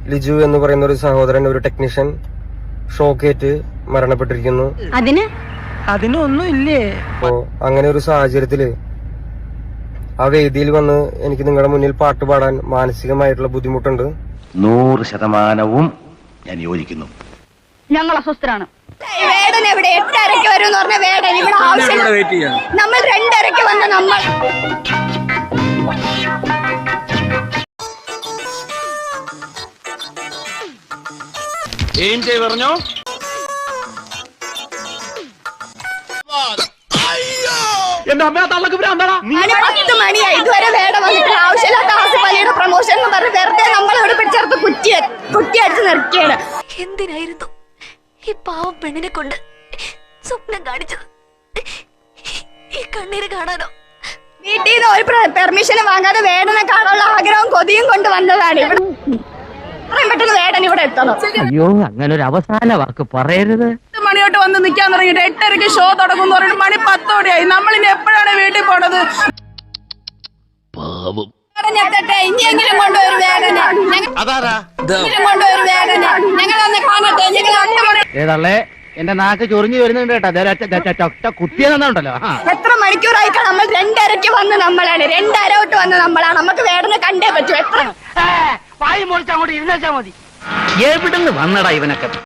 ലിജു എന്ന് പറയുന്ന ഒരു സഹോദരൻ, ഒരു ടെക്നീഷ്യൻ ഷോക്കേറ്റ് മരണപ്പെട്ടിരിക്കുന്നു. അതിനൊന്നും ഇല്ലേ? അപ്പോ അങ്ങനെ ഒരു സാഹചര്യത്തില് ആ വേദിയിൽ വന്ന് എനിക്ക് നിങ്ങളുടെ മുന്നിൽ പാട്ട് പാടാൻ മാനസികമായിട്ടുള്ള ബുദ്ധിമുട്ടുണ്ട്. 100% ഞാൻ യോജിക്കുന്നു. ഞങ്ങൾ അസ്വസ്ഥരാണ്. വേടൻ എവിടെ? 8:30 വരും എന്ന് പറഞ്ഞ വേടൻ ഇവിടെ ആവശ്യം. നമ്മൾ 2:30 വന്ന നമ്മൾ പറഞ്ഞോ. മണി 10 മണിയായി, ഇതുവരെ വേടൻ വന്നിട്ട് ആവശ്യമില്ലാത്ത ആസിഫലിയുടെ പ്രൊമോഷൻ എന്ന് പറഞ്ഞ് വെറുതെ നമ്മളോട് പിടിച്ചെടുത്ത് കുറ്റിയടിച്ച് നിർത്തിയാണ്. എന്തിനായിരുന്നു ഈ പാവം പെണ്ണിനെ കൊണ്ട് സ്വപ്നം കാണിച്ചത്? ഈ കണ്ണീര് കാണാനോ? വീട്ടിൽ നിന്ന് ഒരു പെർമിഷൻ വാങ്ങാതെ വേടനെ കാണാനുള്ള ആഗ്രഹവും കൊതിയും കൊണ്ട് വന്നതാണ്. ഇവിടെ എത്രയും പെട്ടെന്ന് വേടൻ ഇവിടെ എത്തണം. അയ്യോ, അങ്ങനെ ഒരു അവസാന വാക്ക് പറയരുത്. 10 മണിയോട്ട് വന്ന് നിൽക്കാൻ തുടങ്ങിയിട്ട് 8:30 ഷോ തുടങ്ങും പറഞ്ഞിട്ട് മണി 10 നമ്മളിനി എപ്പോഴാണ് വീട്ടിൽ പോണത്? ഇനിയെങ്കിലും കൊണ്ടുവരും വേടനെ, കൊണ്ടുവരും വേടനെ. ഞങ്ങളൊന്ന് കാണട്ടെ. ഏതള്ളേ, എന്റെ നാക്ക് ചൊറിഞ്ഞു വരുന്നുണ്ട് കേട്ടോ. കുത്തിയെന്നുണ്ടല്ലോ. എത്ര മണിക്കൂറായിട്ടാണ് നമ്മൾ 2:30 വന്ന് നമ്മളാണ് 2:30 വന്ന് നമ്മളാണ്. നമുക്ക് വേടനെ കണ്ടേ പറ്റൂ. എത്ര വായി മുറിച്ച് അങ്ങോട്ട് ഇരുന്നേച്ചാ മതി. എവിടുന്ന് വന്നടാ ഇവനൊക്കെ?